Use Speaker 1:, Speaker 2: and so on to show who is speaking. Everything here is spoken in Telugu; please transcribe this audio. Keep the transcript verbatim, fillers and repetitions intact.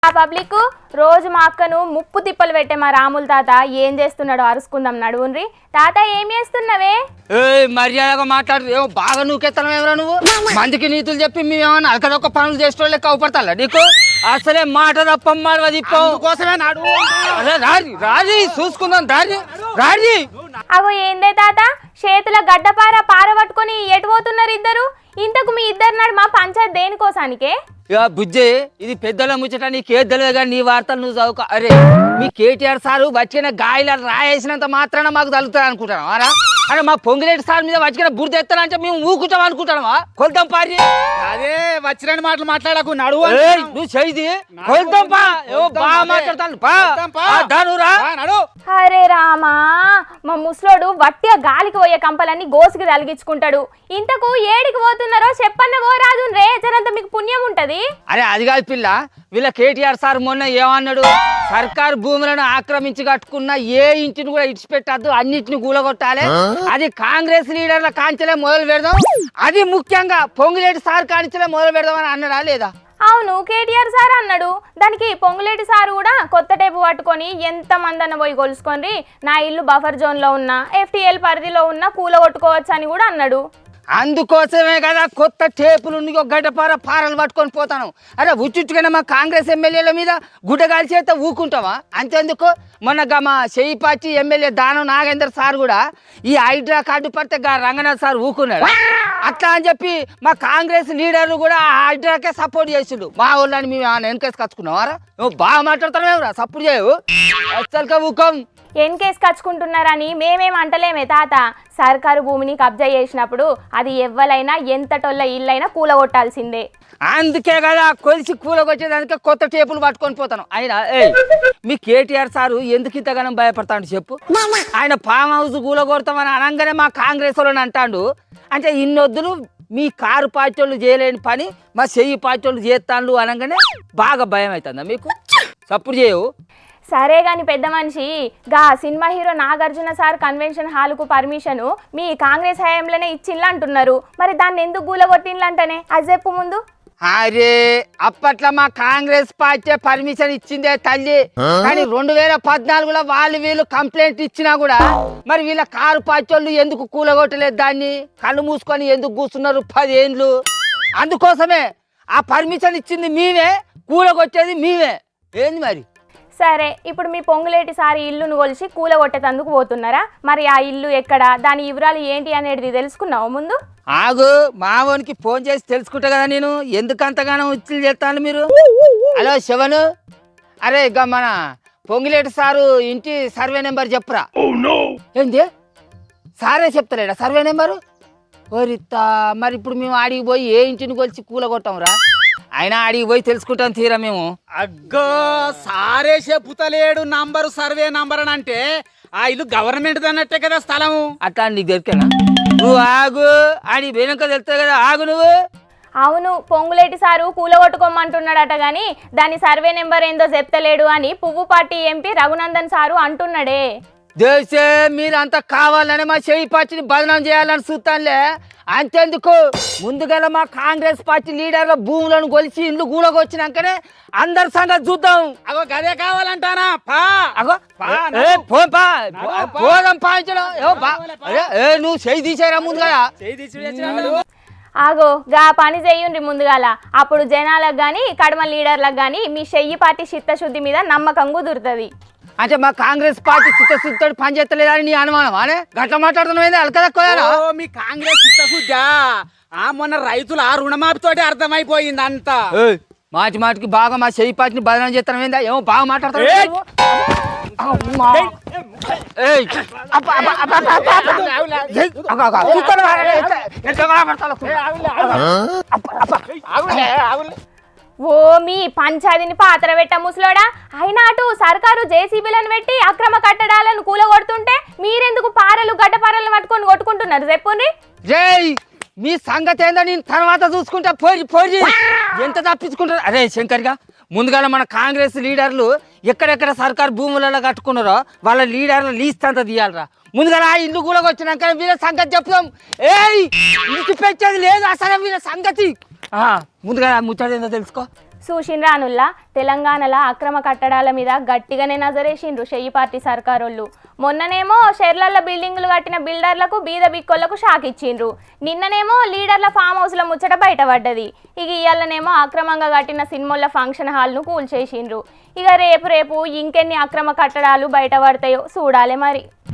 Speaker 1: ఆ పబ్లిక్ రోజు మా అక్కను ముప్పు తిప్పలు పెట్టే మా రాముల తాత ఏం చేస్తున్నాడో అరుసుకుందాం నడువుండ్రి. తాత ఏం చేస్తున్నావే?
Speaker 2: ఏ మర్యాదగా మాట్లాడు. ఏమో బాగా నూకెత్తనం ఏమరా నువ్వు? మందికి నీతులు చెప్పి మేమేమన్నా అక్కడొక్క పనులు చేసేటోళ్ళే కవపడతా నీకు? అసలే మాట తప్పమ్మ దిప్పం కోసమే నాడు. అదే రాజీ రాజీ చూసుకుందాం రాజీ రాజీ.
Speaker 1: అగో ఏందే తాత, చేతుల గడ్డపార పార పట్టుకొని ఎటు పోతున్నారు ఇద్దరు? ఇంతకు మీ ఇద్దరు నాడు మా పంచాయత్ దేనికోసానికే?
Speaker 2: ఇక బుజ్జి ఇది పెద్దల ముచ్చట నీకే తెలియదు కానీ నీ వార్తలు నువ్వు చదువుకో. అరే మీ కేటీఆర్ సారు వచ్చిన గాయల రాయేసినంత మాత్రాన మాకు తగులుతుంది అనుకుంటాను అరా? అరే మా పొంగిరెడ్డి సార్ మీద వచ్చిన బుర్ద ఎత్తానంటే మేము ఊకుంటాం అనుకుంటామా? కొలుతాం పారి.
Speaker 3: అదే వచ్చిన మాటలు మాట్లాడకు నడువు.
Speaker 2: నువ్వు చేయి కొలుతాం పా. బాగా మాట్లాడతాను నడు.
Speaker 1: అరే రామా, మా ముసలోడు వట్టిగా గాలికి పోయే కంపలన్నీ గోసుకి తలిగించుకుంటాడు. ఇంతకు ఏడికి పోతున్నారో చెప్పన్న ఓ రాజు రే, జరంత మీకు పుణ్యం ఉంటది.
Speaker 2: అరే అది కాదు పిల్ల, వీళ్ళ కేటీఆర్ సార్ మొన్న ఏమన్నాడు? సర్కారు భూములను ఆక్రమించి కట్టుకున్న ఏ ఇంటిని కూడా ఇడిచిపెట్టద్దు, అన్నిటిని కూలగొట్టాలి. అది కాంగ్రెస్ లీడర్ల కాంచెలే మొదలు పెడదాం, అది ముఖ్యంగా పొంగులేటి సార్ కాంచెలే మొదలు పెడదాం అని అన్నాడా లేదా?
Speaker 1: అవును, కేటీఆర్ సార్ అన్నాడు. దానికి పొంగులేటి సార్ కూడా కొత్త టేపు పట్టుకొని ఎంత మందన్న పోయి కొలుసుకొని నా ఇల్లు బఫర్ జోన్ లో ఉన్న ఎఫ్టీఎల్ పరిధిలో ఉన్న కూల కొట్టుకోవచ్చు అని కూడా అన్నాడు.
Speaker 2: అందుకోసమే కదా కొత్త టేపులు గడ్డపార పారలు పట్టుకొని పోతాను. అరే ఉచ్చుట్టుగానే మా కాంగ్రెస్ ఎమ్మెల్యేల మీద గుడ్డగాలి చేస్తే ఊకుంటావా? అంతేందుకు మొన్న మా చేయిపాచి ఎమ్మెల్యే దానం నాగేందర్ సార్ కూడా ఈ హైడ్రా కార్డు పడితే గా రంగనాథ్ సార్ ఊకున్నాడు. అట్లా అని చెప్పి మా కాంగ్రెస్ లీడర్లు కూడా ఆ హైడ్రాకే సపోర్ట్ చేసిండు. మా వాళ్ళని మేము వెనకేసి కచ్చుకున్నావారా? నువ్వు బాగా మాట్లాడుతున్నావు, సపోర్ట్ చేయవు అసలుగా ఊకం.
Speaker 1: ఎన్ కేసు కచ్చుకుంటున్నారని మేమేం అంటలేమే తాత. సర్కారు భూమిని కబ్జా చేసినప్పుడు అది ఎవ్వలైనా ఎంతటోళ్ళ ఇల్లైనా కూలగొట్టాల్సిందే.
Speaker 2: అందుకే కదా కొలిసి కూలగొచ్చేదానికే కొత్త టేపులు పట్టుకొని పోతాను. ఆయన ఏ మీ కేటీఆర్ సారు ఎందుకు ఇంతగానం భయపడతాడు చెప్పు? ఆయన ఫామ్ హౌస్ కూలగొడతామని అనగానే మా కాంగ్రెస్ వాళ్ళని అంటాడు. అంటే ఇన్నొద్దులు మీ కారు పార్టీ వాళ్ళు చేయలేని పని మా చెయ్యి పార్టీ వాళ్ళు చేస్తాను అనగానే బాగా భయం అవుతుందా మీకు? సపోర్ట్ చేయవు.
Speaker 1: సరే గాని పెద్ద మనిషి, గా cinema hero Nagarjuna sir convention హాల్కు పర్మిషన్ మీ కాంగ్రెస్ హయాంలోనే ఇచ్చిండ్లు అంటున్నారు. మరి దాన్ని ఎందుకు గూలగొట్టిండ్లు అంటేనే అది చెప్పు ముందు.
Speaker 2: అరే అప్పట్లో మా కాంగ్రెస్ పార్టీ పర్మిషన్ ఇచ్చిందే తల్లి, కానీ రెండు వేల పద్నాలుగులో వాళ్ళు వీళ్ళు కంప్లైంట్ ఇచ్చినా కూడా మరి వీళ్ళ కారు పార్టీ వాళ్ళు ఎందుకు కూలగొట్టలేదు? దాన్ని కళ్ళు మూసుకొని ఎందుకు కూర్చున్నారు పదేండ్లు? అందుకోసమే ఆ పర్మిషన్ ఇచ్చింది మేమే, కూలగొచ్చేది మేమే. ఏంది మరి?
Speaker 1: సరే, ఇప్పుడు మీ పొంగులేటి సారి ఇల్లును కొలిసి కూలగొట్టేందుకు పోతున్నారా? మరి ఆ ఇల్లు ఎక్కడ, దాని వివరాలు ఏంటి అనేది తెలుసుకున్నావు ముందు?
Speaker 2: ఆగు, మావోనికి ఫోన్ చేసి తెలుసుకుంటా కదా నేను. ఎందుకు అంతగానో ఉచ్చులు చేస్తాను మీరు? హలో శివను, అరే ఇక మన పొంగిలేటి సారు ఇంటి సర్వే నెంబర్ చెప్పురా. ఏంది సారే చెప్తారేడా సర్వే నెంబరు? ఓరిత్తా, మరి ఇప్పుడు మేము ఆడికి పోయి ఏ ఇంటిని కొలిసి కూలగొట్టాంరా? అయినా ఆడికి పోయి తెలుసుకుంటాం తీరా మేము.
Speaker 3: అగ్గో సారే చెప్పుతలేడు నంబరు సర్వే నంబర్ అని అంటే ఆ ఇల్లు గవర్నమెంట్ అన్నట్టే కదా స్థలము.
Speaker 2: అట్లా నీకు దొరికేనా? నువ్వు ఆగు, ఆడి వెనుక తెలుస్తుంది కదా, ఆగు నువ్వు.
Speaker 1: అవును, పొంగులేటి సారు కూలగొట్టుకోమంటున్నాడట గాని దాని సర్వే నెంబర్ ఏందో చెప్తలేడు అని పువ్వు పార్టీ ఎంపీ రఘునందన్ సారు అంటున్నాడే.
Speaker 2: దేశే మీరంతా కావాలని మా చేయి పార్టీని బదనాం చేయాలని చూస్తానులే. అంతేందుకు ముందుగా మా కాంగ్రెస్ పార్టీ లీడర్ల భూములను కొలిచి ఇండ్లు గూడకొచ్చినాకనే అందరి సంగతి చూద్దాం.
Speaker 3: అగో గదే కావాలంటానా? పా
Speaker 2: అగో పోదాం పాయించడం. నువ్వు చేయి తీసేరా ముందుగా.
Speaker 1: ఆగో గా పని చెయ్యండి ముందుగాల, అప్పుడు జనాలకు గాని కడమ లీడర్లకు గాని మీ చెయ్యి పార్టీ చిత్తశుద్ధి మీద నమ్మకం కుదురుతుంది.
Speaker 2: అంటే మా కాంగ్రెస్ పార్టీ చిత్తశుద్ధితో పనిచేస్తలేదని నీ అనుమానం అనే గట్ల మాట్లాడుతున్నావు? అలకదక్కోయారా
Speaker 3: మీ కాంగ్రెస్ చిత్తశుద్ధా? ఆ మొన్న రైతులు ఆ రుణమాఫీతోటి అర్థమైపోయింది అంతా.
Speaker 2: మాటి మాటికి బాగా మా చెయ్యి పార్టీని బదనాం చేస్తాను ఏందా? ఏమో బాగా మాట్లాడతావు.
Speaker 1: ఓ మీ పంచాయతీని పాత్ర పెట్ట ముసలోడా, అయినా అటు సర్కారు జేసీబీలను పెట్టి అక్రమ కట్టడాలను కూలగొడుతుంటే మీరెందుకు పారలు గడ్డపారలను పట్టుకొని కొట్టుకుంటున్నారు చెప్పుండ్రి.
Speaker 2: జై మీ సంగతి ఏందో నేను తర్వాత చూసుకుంటా. పోయి పోయి ఎంత తప్పించుకుంటారు? అరే శంకర్గా, ముందుగా మన కాంగ్రెస్ లీడర్లు ఎక్కడెక్కడ సర్కారు భూములలో కట్టుకున్నారో వాళ్ళ లీడర్లు లీస్ట్ అంతా తీయాలరా. ముందుగా ఆ ఇల్లు కూడా వచ్చినాక వీళ్ళ సంగతి చెప్తాం. ఏయ్ ఇంటి పెంచేది లేదు అసలు వీళ్ళ సంగతి. ముందుగా ముచ్చట ఏందో తెలుసుకో.
Speaker 1: చూసిండ్రానుల్లా తెలంగాణలో అక్రమ కట్టడాల మీద గట్టిగానే నజరేసిండ్రు షెయ్యి పార్టీ సర్కారోళ్ళు. మొన్ననేమో షెర్లల్ల బిల్డింగులు కట్టిన బిల్డర్లకు బీద బిక్కోళ్లకు షాక్ ఇచ్చిండ్రు. నిన్ననేమో లీడర్ల ఫామ్ హౌస్ల ముచ్చట బయటపడ్డది. ఇక ఇయ్యాలనేమో అక్రమంగా కట్టిన సినిమాల ఫంక్షన్ హాల్ను కూల్చేసిండ్రు. ఇక రేపు రేపు ఇంకెన్ని అక్రమ కట్టడాలు బయటపడతాయో చూడాలి మరి.